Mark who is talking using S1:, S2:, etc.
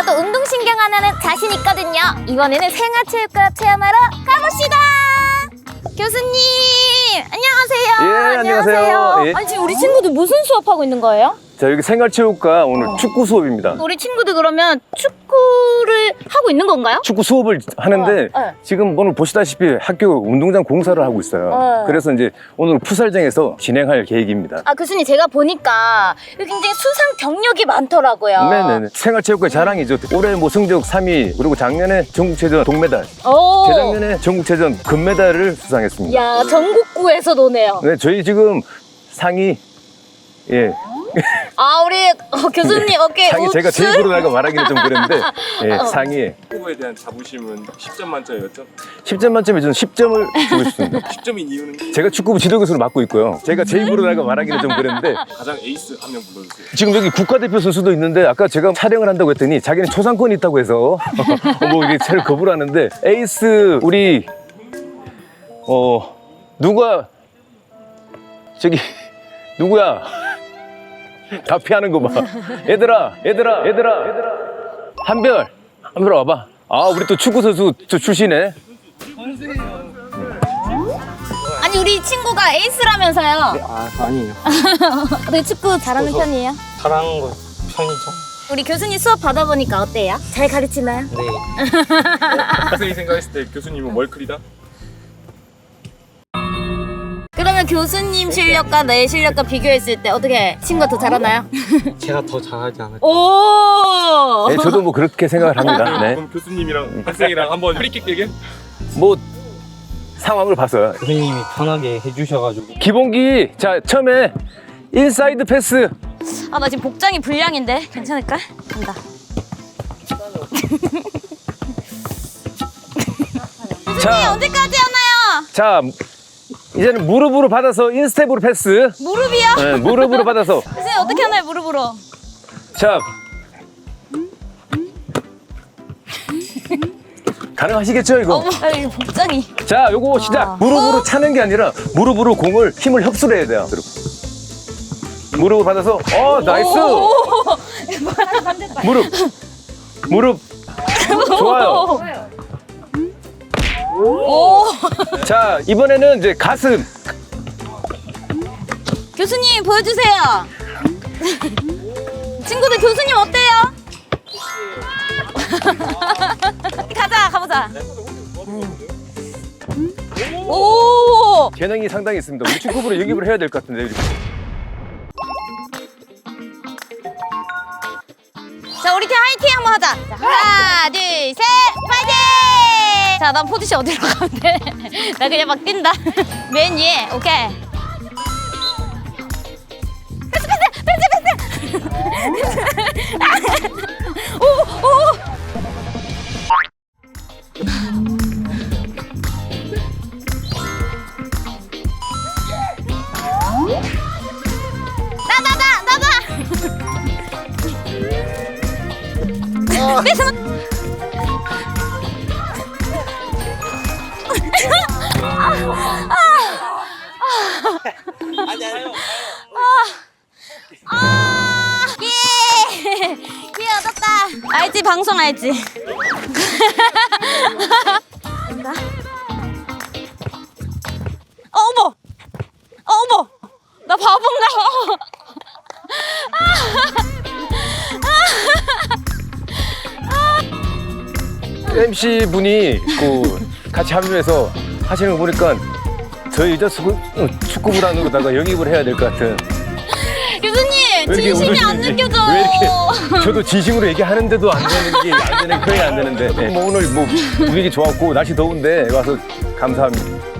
S1: 저도 운동신경 하나는 자신 있거든요. 이번에는 생활체육과 체험하러 가봅시다. 교수님 안녕하세요.
S2: 예, 안녕하세요. 예.
S1: 아니 지금 우리 친구들 무슨 수업하고 있는 거예요?
S2: 자, 여기 생활체육과 오늘 축구 수업입니다.
S1: 우리 친구들 그러면 축구를 하고 있는 건가요?
S2: 축구 수업을 하는데
S1: 네.
S2: 지금 오늘 보시다시피 학교 운동장 공사를 하고 있어요. 그래서 이제 오늘 풋살장에서 진행할 계획입니다.
S1: 아 교수님 제가 보니까 여기 굉장히 수상 경력이 많더라고요.
S2: 네네. 생활체육과 자랑이죠. 올해 뭐 성적 3위, 그리고 작년에 전국체전 동메달,
S1: 오.
S2: 재작년에 전국체전 금메달을 수상했습니다.
S1: 야 전국구에서 노네요.
S2: 네, 저희 지금 상위, 예.
S1: 아 우리 교수님 어깨
S2: 상위, 제가 제 입으로 나가 말하기는 좀 그랬는데, 예, 상위에.
S3: 축구에 대한 자부심은 10점 만점이었죠?
S2: 10점 만점에 저는 10점을 주고 싶습니다.
S3: 10점인 이유는
S2: 제가 축구부 지도교수를 맡고 있고요. 제가 제 입으로 나가 말하기는 좀 그랬는데,
S3: 가장 에이스 한 명 불러주세요.
S2: 지금 여기 국가대표 선수도 있는데 아까 제가 촬영을 한다고 했더니 자기는 초상권이 있다고 해서 뭐 이게 잘 거부를 하는데, 에이스 우리 누가 저기 누구야? 다 피하는 거 봐. 얘들아 한별 와봐. 아, 우리 또 축구 선수 저 출신에.
S1: 아니 우리 친구가 에이스라면서요.
S4: 아, 아니에요.
S1: 어떻게 축구 잘하는 편이에요?
S4: 잘하는 거 편이죠.
S1: 우리 교수님 수업 받아보니까 어때요? 잘 가르치나요?
S4: 네.
S3: 학생이 생각했을 때 교수님은 월클이다?
S1: 그러면 교수님 실력과 내 실력과 비교했을 때 어떻게 친구가 더 잘하나요?
S4: 제가 더 잘하지 않을까.
S1: 오!
S2: 네, 저도 뭐 그렇게 생각을 합니다. 네.
S3: 그럼 교수님이랑 학생이랑 한번 프리킥 대결?
S2: 뭐 상황을 봐서요.
S4: 선생님이 편하게 해주셔가지고.
S2: 기본기, 자, 처음에 인사이드 패스.
S1: 아 나 지금 복장이 불량인데 괜찮을까? 간다. 교수님
S2: 자.
S1: 언제까지 하나요?
S2: 자, 이제는 무릎으로 받아서 인스텝으로 패스.
S1: 무릎이요?
S2: 네, 무릎으로 받아서.
S1: 교수님 어떻게 하나요 무릎으로?
S2: 자, 가능하시겠죠 이거?
S1: 어머 이거 복장이.
S2: 자, 요거 시작. 무릎으로 차는 게 아니라 무릎으로 공을 힘을 흡수를 해야 돼요. 무릎을 받아서, 나이스. 무릎. 좋아요.
S1: 오.
S2: 자, 이번에는 이제 가슴.
S1: 교수님 보여주세요. 친구들 교수님 어때요? 가보자. 오.
S2: 재능이 상당히 있습니다. 우리 축구부로 영입을 해야 될 것 같은데.
S1: 자 우리 팀 화이팅 한번 하자. 자, 하나 둘 셋 파이팅. 자 난 포지션 어디로 가면 돼? 나 그냥 막 뛴다. 맨 위에 오케이. 패스. 오. 나다. 패스. 예, 얻었다. 알지, 방송 알지? 간다. 어머! 나 바본가?
S2: MC 분이 같이 합류해서 하시는 거 보니까 저희 축구부단으로다가 영입을 해야 될 것 같은.
S1: 교수님,
S2: 왜 이렇게
S1: 진심이 안
S2: 웃으시는지.
S1: 느껴져요.
S2: 왜 이렇게 저도 진심으로 얘기하는데도 안 되는 표현이 안 되는데. 네. 뭐 오늘 뭐 분위기 좋았고 날씨 더운데 와서 감사합니다.